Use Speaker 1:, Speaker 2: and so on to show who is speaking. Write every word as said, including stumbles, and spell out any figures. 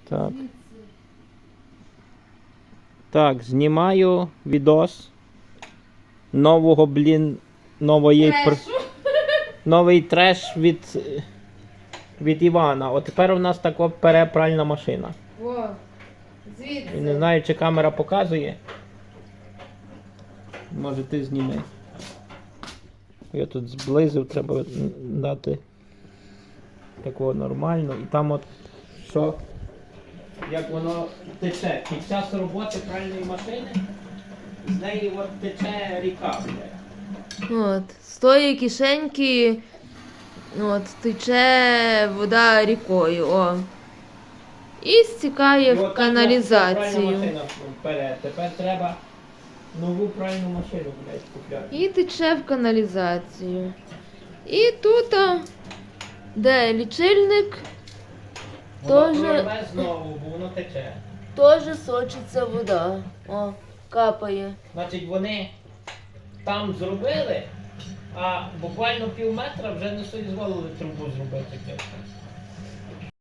Speaker 1: Так. Так, знімаю відос нового, блін, нової пр... новий треш від, від Івана. От тепер у нас така перепральна машина.
Speaker 2: О, звідси.
Speaker 1: І не знаю, чи камера показує. Може ти зніми. Я тут зблизив, треба дати такого нормально. І там от що, як воно тече. Під час роботи пральної машини з неї от тече ріка.
Speaker 2: От, з тої кишеньки от, тече вода рікою. О. І стікає
Speaker 1: І
Speaker 2: в
Speaker 1: от так пральна
Speaker 2: каналізацію.
Speaker 1: машина вперед. Тепер треба нову пральну машину, блядь, купляти.
Speaker 2: І тече в каналізацію. І тут, а, де лічильник,
Speaker 1: Воно
Speaker 2: Тоже-
Speaker 1: прорве знову, бо воно тече.
Speaker 2: теж сочиться вода. О, капає.
Speaker 1: Значить, вони там зробили, а буквально пів метра вже не соізволили трубу зробити.